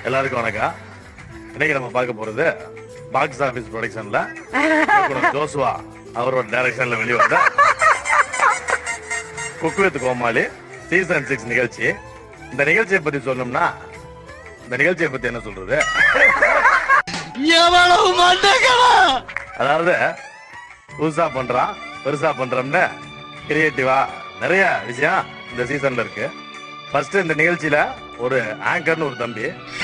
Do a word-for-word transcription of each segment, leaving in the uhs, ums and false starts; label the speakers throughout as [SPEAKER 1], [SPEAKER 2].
[SPEAKER 1] எல்லாருக்கும் வணக்கம். இன்னைக்கு நம்ம பார்க்க போறது பாக்ஸ் ஆபீஸ் ப்ரொடக்ஷன்ல ஜோசுவா அவரோட டைரக்ஷன்ல வெளிவந்த cook with Comali season six நிகழ்ச்சி. இந்த நிகழ்ச்சியை பத்தி சொல்லணும்னா இந்த நிகழ்ச்சியை பத்தி என்ன சொல்றது, அதாவது புதுசா பண்றான் பெருசா பண்றோம்னு கிரியேட்டிவா நிறைய விஷயம் இந்த சீசன்ல இருக்கு. ஃபர்ஸ்ட் இந்த நிகழ்ச்சியில ஒரு ஆங்கர்னு ஒரு தம்பி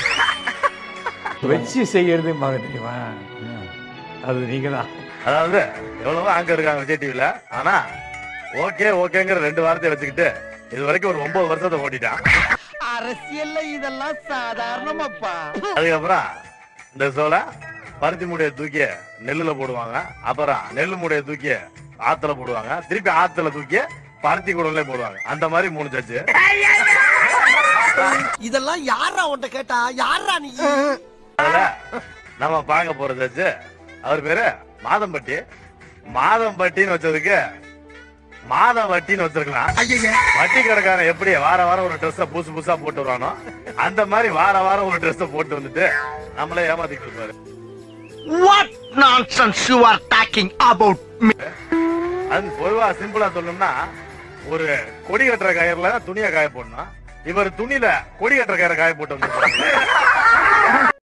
[SPEAKER 2] வச்சு செய்யறது மக தெரியுமா, அது நீங்க தான்.
[SPEAKER 1] அதாவது எவ்வளவோ ஆங்கர் இருக்காங்க விஜய் டிவில, ஆனா ஓகே ஓகேங்கிற ரெண்டு வார்த்தையை வச்சுக்கிட்டு இது வரைக்கும் ஒரு ஒன்பது வருஷத்தை ஓட்டிட்டான்.
[SPEAKER 3] அரசியல்ல இதெல்லாம் சாதாரணமாப்பா.
[SPEAKER 1] அதுக்கப்புறம் இந்த சோள பருத்தி மூடைய தூக்கி நெல்லுல போடுவாங்க, அப்புறம் நெல்லு மூடைய தூக்கி ஆத்துல போடுவாங்க, திருப்பி ஆத்துல தூக்கி பருத்தி குடல்ல போடுவாங்க. அந்த மாதிரி மூணு சச்சு.
[SPEAKER 3] இதெல்லாம் யாரா உன்ட்ட கேட்டா, யாரா நீ?
[SPEAKER 1] அதுல நம்ம பார்க்க போற சச்சு அவர் பேரு மாதம்பட்டி. மாதம்பட்டின்னு வச்சதுக்கு மாத வட்டின்னு வச்சிருக்கலாம். வட்டி கடைக்காரன் எப்படி வார வாரம் ஒரு ட்ரெஸ் புதுசு புதுசா போட்டு வரானோ அந்த மாதிரி வார வாரம் ஒரு ட்ரெஸ் போட்டு வந்துட்டு நம்மளே ஏமாத்திட்டு இருப்பாரு.
[SPEAKER 3] What nonsense you are talking about me?
[SPEAKER 1] அது பொதுவா சிம்பிளா சொல்லணும்னா ஒரு கொடி கட்டுற கயிறுல துணியை காய போடணும், இவர் துணியில கொடி கட்டுற கயிறை காய போட்டு வந்து